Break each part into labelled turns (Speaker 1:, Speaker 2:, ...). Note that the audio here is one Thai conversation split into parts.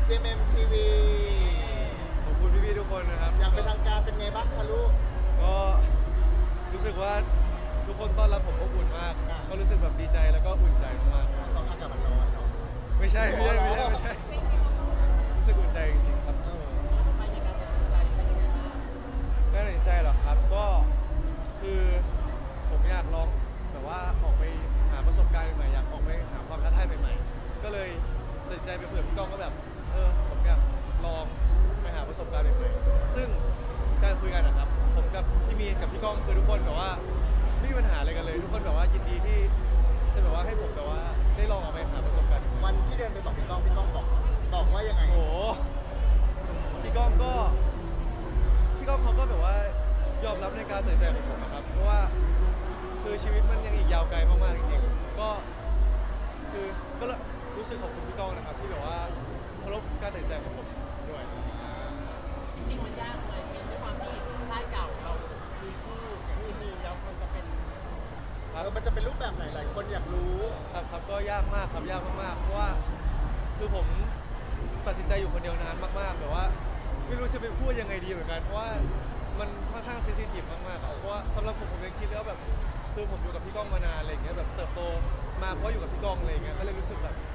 Speaker 1: GMMTV
Speaker 2: ขอบคุณพี่ๆทุกคนนะครับ
Speaker 1: อย่างเป็นทางการเป็นไงบ้างคะลูก
Speaker 2: ก็รู้สึกว่าทุกคนต้อนรับผมอบอุ่นมาก
Speaker 1: อ่า
Speaker 2: ก็รู้สึกแบบดีใจแล้วก็อุ่นใจมาก
Speaker 1: ต้องอากาศมันร้อนเนาะ
Speaker 2: ๆไม่ใช่รู้สึกอุ่นใจจริงๆครับ
Speaker 3: ทำไมในการตัดสินใจเป็นยังไงบ้าง
Speaker 2: การตัดสินใจเหรอครับก็คือผมอยากลองแบบว่าออกไปหาประสบการณ์ใหม่ๆอยากออกไปหาความท้าทายใหม่ๆก็เลยตัดสินใจไปคุยกับพี่ก้องก็แบบผมอยากลองไปหาประสบการณ์ใหม่ๆซึ่งการคุยกันนะครับผมกับพี่มีนกับพี่ก้องคือทุกคนแบบว่าไม่มีปัญหาอะไรกันเลย ทุกคนแบบว่ายินดีที่จะแบบว่าให้ผมแบบว่าได้ลองออกไปหาประสบการณ์ใหม่ๆ
Speaker 1: วันที่เดินไปบอกพี่ก้องบอกว่ายังไง
Speaker 2: โอ้โหพี่ก้องเขาก็แบบว่ายอมรับในการตัดสินใจของผมนะครับ เพราะว่าคือชีวิตมันยังอีกยาวไกลมากๆจริงๆก็รู้สึกขอบคุณพี่ก้องนะครับ ที่แบบว่าเคารพการตัดสินใจของผมด้วย
Speaker 3: จริงๆมันยากไหมเป็นด้วยความที่ค่ายเก่าเรามีคู่ที่มีแล้วมันจะเป็น
Speaker 1: มันจะเป็นรูปแบบไหนหลายคนอยากรู้
Speaker 2: ครับก็ยากมากครับยากมากๆเพราะว่าคือผมตัดสินใจอยู่คนเดียวนานมากๆแบบว่าไม่รู้จะไปพูดยังไงดีเหมือนกันเพราะว่ามันค่อนข้างเซนซิทีฟมากๆอะเพราะว่าสำหรับผมยังคิดแล้วแบบคือผมอยู่กับพี่ก้องมานานอะไรอย่างเงี้ยแบบเติบโตมาเพราะอยู่กับพี่ก้องอะไรอย่างเงี้ยก็เลยรู้สึก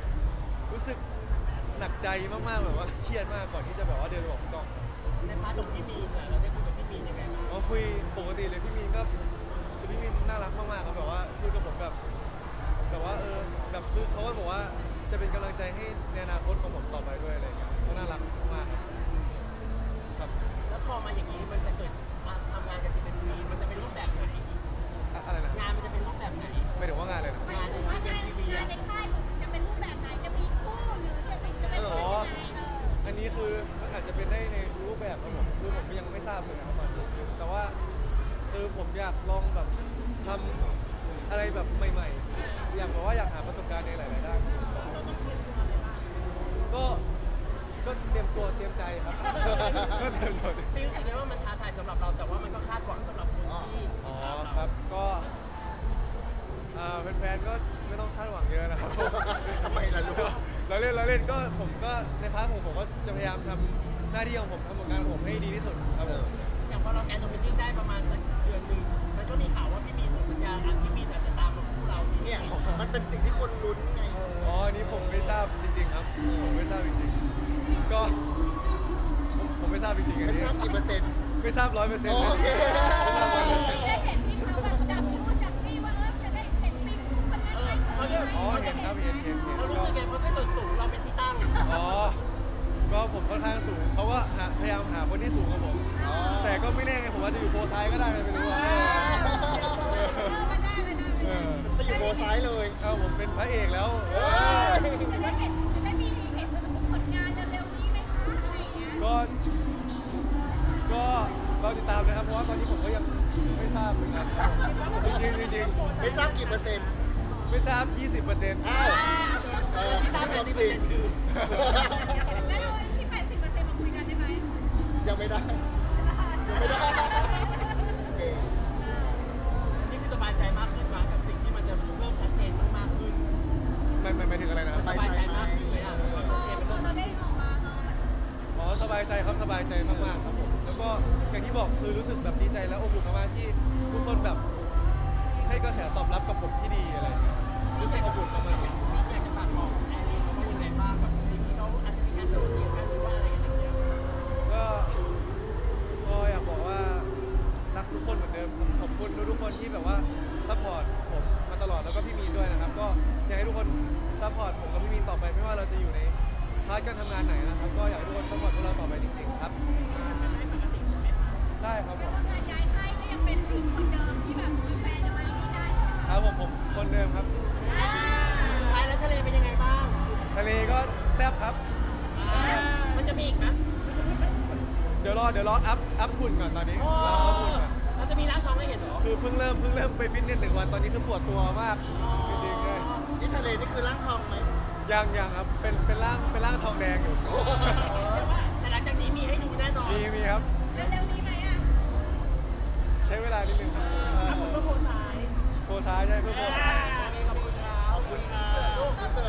Speaker 2: หนักใจมากๆแบบว่าเครียดมากก่อนที่จะแบบว่าเดินไปบอกพี่ก้อง
Speaker 3: ในพาร์ทของพี่มีนเนี่ยเราได้คุยกับพี่มีนยังไงบ้าง
Speaker 2: ก็คุยปกติเลยพี่มีนก็คือพี่มีนน่ารักมากๆครับแบบว่าคุยกับผมแบบว่าแบบคือเขาก็บอกว่าจะเป็นกำลังใจให้ในอนาคตของผมต่อไปด้วยอะไรอย่างเงี้ยก็น่ารักมากครับ
Speaker 3: แล้วพอมาอย่างนี้มันจะเกิดมาทำงานกับจีเป็นมีมันจะเป็นรูปแบบไหน
Speaker 2: อะไรนะ
Speaker 3: งานมันจะเป็นรูปแบบไหน
Speaker 2: ไม่ถึงว่างานเลยนะ
Speaker 3: งานในจีเป็นทีวี
Speaker 4: งานในค่ายจะเป็นรูปแบบไหนจะมีคู่หรือจะเป็นยังไง
Speaker 2: อันนี้คือมันอาจจะเป็นได้ในรูปแบบครับผมคือผมยังไม่ทราบเลยนะครับตอนนี้แต่ว่าคือผมอยากลองแบบทำอะไรแบบใหม่ๆอยากบอกว่าอยากหาประสบการณ์ในหลายๆด้านก็เตรียมตัวเตรียมใจครับ ก็เตรียมตัว
Speaker 3: พี่รู้สึกไงว่ามันท้าทายสำหรับเราแต่ว่ามันก็คาดหวังสำหรับคนที่
Speaker 2: อ๋อ
Speaker 3: ติดตามเรา
Speaker 2: ครับก็แฟนๆก็ไม่ต้องคาดหวังเยอะนะครับ
Speaker 1: ทำไมล่ะลูก
Speaker 2: เราเล่นก็ผมก็ในพาร์ทของผมก็จะพยายามทำหน้าที่ของผมทำผลงานของผมให้ดีที่สุดครับผม
Speaker 3: อย่างพอเราแกนโดมินิ่งได้ประมาณสักเดือนหนึ่งมันก็มีข่าวว่าพี่มีนหมดสัญญาอันพี่มีนอาจจะตามมาคู่เราที่
Speaker 1: เนี่ยมันเป็นสิ่งที่คนลุ้นไง
Speaker 2: อ๋ออันนี้ผมไม่ทราบจริงๆครับผมไม่ทราบจริงๆก็ผมไม่ทราบจริงๆอัน
Speaker 1: ไม่
Speaker 2: นี้
Speaker 1: ทราบกี่เปอร์เซ็นต์
Speaker 2: ไม่ทราบ100%เลย
Speaker 1: โอเค
Speaker 2: ไม่ทราบ100%
Speaker 4: ได้เห็นที่เขาแบบจับนู่นจับนี่ว่าจะได้เห็นมีคู่คนนั้นไหม
Speaker 2: อ๋อเห็นครับเห็น
Speaker 3: เรารู้สึกไงเพราะด้วยส่วนสูงเราเป็นที่ตั้ง
Speaker 2: อ๋อก็ผมค่อนข้างสูงเขาก็พยายามหาคนที่สูงกว่าผม แต่ก็ไม่แน่ไงผมอาจจะอยู่โพซ้ายก็ได้ไม่รู้ว่า
Speaker 4: มาได้
Speaker 1: ไปอยู่โบซ้ายเลย
Speaker 2: เอาผมเป็นพระเอกแล้ว
Speaker 4: จะได้มีเห็นผลงานเร็วๆนี้ไหมคะอะไรอย่างเงี้ย
Speaker 2: ก็เราติดตามนะครับเพราะว่าตอนนี้ผมก็ยังไม่ทราบเหมือนกันครับผมจริง
Speaker 1: ไม่ทราบกี่เปอร์เซ็นต์
Speaker 2: ไม่ทราบ 20%
Speaker 1: อ้าวที่ทราบจริง
Speaker 4: แล้วเราที่80%มาคุยกันได้ไหม
Speaker 1: ยังไม่ได้ยังไม่ได้โอเค
Speaker 3: นี่คือสบายใจมากขึ้นมากับสิ่งที่มันจะเริ่มชัดเจนมากขึ้น
Speaker 2: หมายถึงอะไรนะครับ
Speaker 3: สบายใจมากขึ้นไหมอ่ะว่าชัดเจนมันเริ่ม
Speaker 4: เราได้ออกมา
Speaker 2: อ๋อสบายใจครับสบายใจมากๆครับผมแล้วก็อย่างที่บอกคือรู้สึกแบบดีใจและอบอุ่นมากๆที่ทุกคนแบบให้กระแสตอบรับกับผมที่ดีอะไรอย่างเงี้ยรู้สึกอบอุ่นมากๆเลย
Speaker 3: อยากจะฝากบอกแอร์เรียเขาว่ายังไงบ้างกับสิ่งที่เขาอาจจะมีการโดดเดี่ยวกันหรือว่าอะไรกันอย่างเงี้ย
Speaker 2: ก็อยากบอกว่ารักทุกคนเหมือนเดิมขอบคุณทุกคนที่แบบว่าซัพพอร์ตผมมาตลอดแล้วก็พี่มีนด้วยนะครับก็อยากให้ทุกคนซัพพอร์ตผมกับพี่มีนต่อไปไม่ว่าเราจะอยู่ในพาร์ทการทำงานไหนนะครับก็อยากให้ทุกคนซัพพอร์ตพวกเราต่อไปจริงๆครับได้ครับผม
Speaker 4: การย้ายค่ายก็ยังเป็นคนเดิมที่แบบแฟนอะไรไม่ได้
Speaker 2: ครับผมคนเดิมครับ
Speaker 3: สุดท้ายแล้วทะเลเป็นยังไงบ้าง
Speaker 2: ทะเลก็แซ่บครับ
Speaker 3: มันจะมีอีกไหม
Speaker 2: เดี๋ยวรออัพหุ่นก่อนตอนนี้
Speaker 3: โอ้
Speaker 2: รออัพหุ่นก่อน
Speaker 3: เราจะมีร้านทองให้เห็นเหรอ
Speaker 2: คือเพิ่งเริ่มไปฟิตเนส1 วันตอนนี้คือปวดตัวมากจริงๆเลย
Speaker 1: ที่ทะเลนี่คือร่างทองไหม
Speaker 2: ยังครับเป็นร่างทองแดงอยู่
Speaker 3: แต่หลังจากนี้มีให้ดูแน่นอน
Speaker 2: มีครับ
Speaker 4: เร็วๆนี้ไหมอ่ะ
Speaker 2: ใช้เวลานิดนึงครับ
Speaker 3: ถ้าคุณก็โพสต์ซ้าย
Speaker 2: โพซ้ายใช่เพื่อโพซ้าย
Speaker 3: โอเคขอบคุณครับ
Speaker 1: ขอบคุณค่ะ